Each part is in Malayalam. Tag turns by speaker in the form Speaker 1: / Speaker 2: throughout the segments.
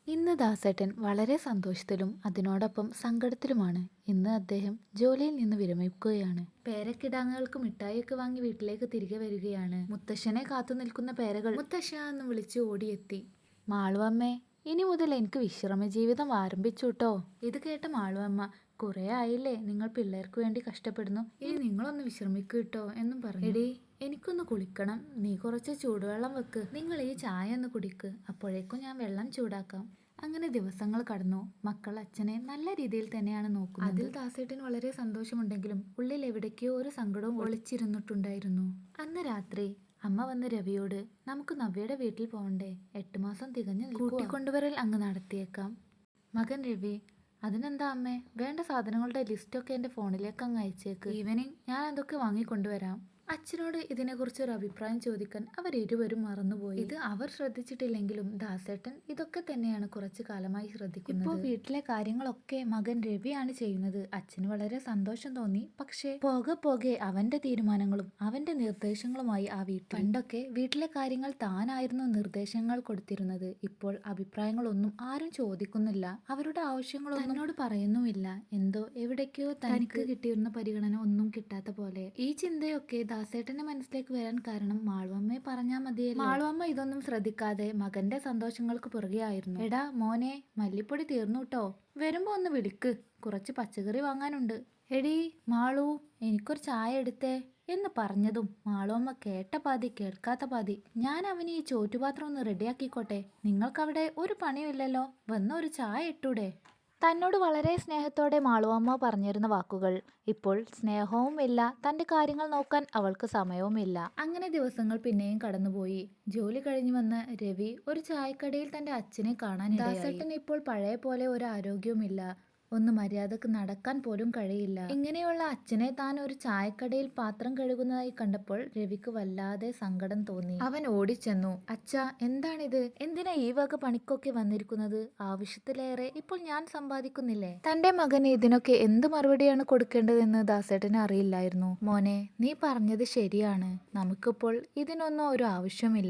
Speaker 1: ഇന്ന് ദാസേട്ടൻ വളരെ സന്തോഷത്തിലും അതിനോടൊപ്പം സങ്കടത്തിലുമാണ്. ഇന്ന് അദ്ദേഹം ജോലിയിൽ നിന്ന് വിരമിക്കുകയാണ്. പേരക്കിടാങ്ങൾക്ക് മിഠായിയൊക്കെ വാങ്ങി വീട്ടിലേക്ക് തിരികെ വരികയാണ്. മുത്തശ്ശനെ കാത്തു നിൽക്കുന്ന പേരകൾ മുത്തശ്ശ എന്ന് വിളിച്ച് ഓടിയെത്തി. മാളുവമ്മേ, ഇനി മുതൽ എനിക്ക് വിശ്രമ ജീവിതം ആരംഭിച്ചുട്ടോ. ഇത് കേട്ട മാളുവമ്മ, കുറെ ആയില്ലേ നിങ്ങൾ പിള്ളേർക്ക് വേണ്ടി കഷ്ടപ്പെടുന്നു, ഇനി നിങ്ങളൊന്ന് വിശ്രമിക്കൂട്ടോ എന്നും പറഞ്ഞു. എടീ, എനിക്കൊന്ന് കുളിക്കണം, നീ കുറച്ച് ചൂടുവെള്ളം വെക്ക്, നിങ്ങൾ ഈ ചായ ഒന്ന് കുടിക്ക്, അപ്പോഴേക്കും ഞാൻ വെള്ളം ചൂടാക്കാം. അങ്ങനെ ദിവസങ്ങൾ കടന്നു. മക്കൾ അച്ഛനെ നല്ല രീതിയിൽ തന്നെയാണ് നോക്കുന്നത്. അതിൽ ദാസേട്ടന് വളരെ സന്തോഷമുണ്ടെങ്കിലും ഉള്ളിൽ എവിടേക്കോ ഒരു സങ്കടവും ഒളിച്ചിരുന്നിട്ടുണ്ടായിരുന്നു. അന്ന് രാത്രി അമ്മ വന്ന് രവിയോട്, നമുക്ക് നവ്യയുടെ വീട്ടിൽ പോകണ്ടേ, 8 മാസം തികഞ്ഞു കൂട്ടിക്കൊണ്ടുവരൽ അങ്ങ് നടത്തിയേക്കാം. മകൻ രവി, അതിനെന്താ അമ്മേ, വേണ്ട സാധനങ്ങളുടെ ലിസ്റ്റൊക്കെ എൻ്റെ ഫോണിലേക്ക് അങ്ങ് അയച്ചേക്ക്, ഈവനിങ് ഞാൻ അതൊക്കെ വാങ്ങിക്കൊണ്ടുവരാം. അച്ഛനോട് ഇതിനെക്കുറിച്ച് ഒരു അഭിപ്രായം ചോദിക്കാൻ അവരിരുവരും മറന്നുപോയി. ഇത് അവർ ശ്രദ്ധിച്ചിട്ടില്ലെങ്കിലും ദാസേട്ടൻ ഇതൊക്കെ തന്നെയാണ് കുറച്ചു കാലമായി ശ്രദ്ധിക്കുന്നത്. ഇപ്പോൾ വീട്ടിലെ കാര്യങ്ങളൊക്കെ മകൻ രവിയാണ് ചെയ്യുന്നത്. അച്ഛന് വളരെ സന്തോഷം തോന്നി. പക്ഷേ പോകെ പോകെ അവന്റെ തീരുമാനങ്ങളും അവന്റെ നിർദ്ദേശങ്ങളുമായി ആ വീട്ടിൽ. പണ്ടൊക്കെ വീട്ടിലെ കാര്യങ്ങൾ താനായിരുന്നു നിർദ്ദേശങ്ങൾ കൊടുത്തിരുന്നത്. ഇപ്പോൾ അഭിപ്രായങ്ങളൊന്നും ആരും ചോദിക്കുന്നില്ല. അവരുടെ ആവശ്യങ്ങളൊന്നും എന്നോട് പറയുന്നുമില്ല. എന്തോ എവിടേക്കോ തനിക്ക് കിട്ടിയിരുന്ന പരിഗണന ഒന്നും കിട്ടാത്ത പോലെ. ഈ ചിന്തയൊക്കെ ദാസേട്ടന്റെ മനസ്സിലേക്ക് വരാൻ കാരണം മാളുവമ്മയെ പറഞ്ഞാൽ മതിയല്ലോ. മാളുവമ്മ ഇതൊന്നും ശ്രദ്ധിക്കാതെ മകന്റെ സന്തോഷങ്ങൾക്ക് പുറകെയായിരുന്നു. എടാ മോനെ, മല്ലിപ്പൊടി തീർന്നുട്ടോ, വരുമ്പോ ഒന്ന് വിളിക്ക്, കുറച്ച് പച്ചക്കറി വാങ്ങാനുണ്ട്. എടീ മാളു, എനിക്കൊരു ചായ എടുത്തേ എന്ന് പറഞ്ഞതും മാളുവമ്മ കേട്ട പാതി കേൾക്കാത്ത പാതി. ഞാൻ അവന് ഈ ചോറ്റുപാത്രം ഒന്ന് റെഡിയാക്കിക്കോട്ടെ, നിങ്ങൾക്കവിടെ ഒരു പണിയില്ലല്ലോ, വന്ന് ഒരു ചായ ഇട്ടൂടെ. തന്നോട് വളരെ സ്നേഹത്തോടെ മാളുവമ്മ പറഞ്ഞിരുന്ന വാക്കുകൾ ഇപ്പോൾ സ്നേഹവും ഇല്ല, തൻ്റെ കാര്യങ്ങൾ നോക്കാൻ അവൾക്ക് സമയവുമില്ല. അങ്ങനെ ദിവസങ്ങൾ പിന്നെയും കടന്നുപോയി. ജോലി കഴിഞ്ഞു വന്ന രവി ഒരു ചായക്കടയിൽ തൻ്റെ അച്ഛനെ കാണാനിടയായി. ദാസേട്ടൻ ഇപ്പോൾ പഴയ പോലെ ഒരു ആരോഗ്യവുമില്ല, ഒന്ന് മര്യാദക്ക് നടക്കാൻ പോലും കഴിയില്ല. ഇങ്ങനെയുള്ള അച്ഛനെ താൻ ഒരു ചായക്കടയിൽ പാത്രം കഴുകുന്നതായി കണ്ടപ്പോൾ രവിക്ക് വല്ലാതെ സങ്കടം തോന്നി. അവൻ ഓടിച്ചെന്നു, അച്ഛാ എന്താണിത്, എന്തിനാ ഈ വക പണിക്കൊക്കെ വന്നിരിക്കുന്നത്, ആവശ്യത്തിലേറെ ഇപ്പോൾ ഞാൻ സമ്പാദിക്കുന്നില്ലേ. തന്റെ മകന് ഇതിനൊക്കെ എന്ത് മറുപടിയാണ് കൊടുക്കേണ്ടതെന്ന് ദാസേട്ടന് അറിയില്ലായിരുന്നു. മോനെ, നീ പറഞ്ഞത് ശരിയാണ്, നമുക്കിപ്പോൾ ഇതിനൊന്നും ഒരു ആവശ്യമില്ല.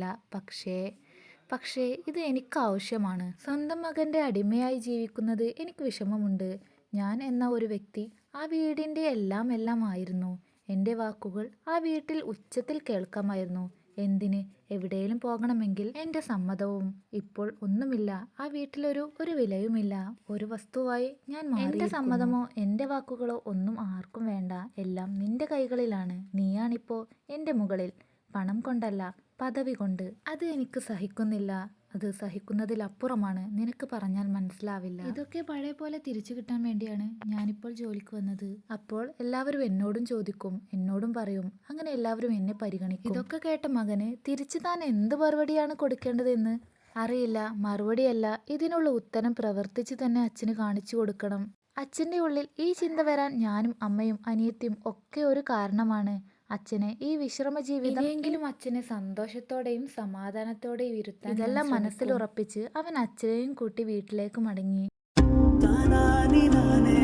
Speaker 1: പക്ഷേ ഇത് എനിക്ക് ആവശ്യമാണ്. സ്വന്തം മകന്റെ അടിമയായി ജീവിക്കുന്നത് എനിക്ക് വിഷമമുണ്ട്. ഞാൻ എന്ന ഒരു വ്യക്തി ആ വീടിൻ്റെ എല്ലാം ആയിരുന്നു. എൻ്റെ വാക്കുകൾ ആ വീട്ടിൽ ഉച്ചത്തിൽ കേൾക്കാമായിരുന്നു. എന്തിന്, എവിടെയും പോകണമെങ്കിൽ എൻ്റെ സമ്മതവും. ഇപ്പോൾ ഒന്നുമില്ല, ആ വീട്ടിലൊരു വിലയുമില്ല. ഒരു വസ്തുവായി ഞാൻ മാറി. എൻ്റെ സമ്മതമോ എൻ്റെ വാക്കുകളോ ഒന്നും ആർക്കും വേണ്ട. എല്ലാം നിന്റെ കൈകളിലാണ്. നീയാണിപ്പോൾ എൻ്റെ മുകളിൽ. പണം കൊണ്ടല്ല, പദവി കൊണ്ട്. അത് എനിക്ക് സഹിക്കുന്നില്ല. അത് സഹിക്കുന്നതിലപ്പുറമാണ്. നിനക്ക് പറഞ്ഞാൽ മനസ്സിലാവില്ല. ഇതൊക്കെ പഴയ പോലെ തിരിച്ചു കിട്ടാൻ വേണ്ടിയാണ് ഞാനിപ്പോൾ ജോലിക്ക് വന്നത്. അപ്പോൾ എല്ലാവരും എന്നോടും ചോദിക്കും, എന്നോടും പറയും, അങ്ങനെ എല്ലാവരും എന്നെ പരിഗണിക്കും. ഇതൊക്കെ കേട്ട മകന് തിരിച്ചു താൻ എന്ത് മറുപടിയാണ് കൊടുക്കേണ്ടതെന്ന് അറിയില്ല. മറുപടിയല്ല, ഇതിനുള്ള ഉത്തരം പ്രവർത്തിച്ച് തന്നെ അച്ഛന് കാണിച്ചു കൊടുക്കണം. അച്ഛൻ്റെ ഉള്ളിൽ ഈ ചിന്ത വരാൻ ഞാനും അമ്മയും അനിയത്തിയും ഒക്കെ ഒരു കാരണമാണ്. അച്ഛനെ ഈ വിശ്രമ ജീവിതം എങ്കിലും അച്ഛനെ സന്തോഷത്തോടെയും സമാധാനത്തോടെയും ഇരുത്താൻ ഇതെല്ലാം മനസ്സിൽ ഉറപ്പിച്ച് അവൻ അച്ഛനെയും കൂട്ടി വീട്ടിലേക്ക് മടങ്ങി.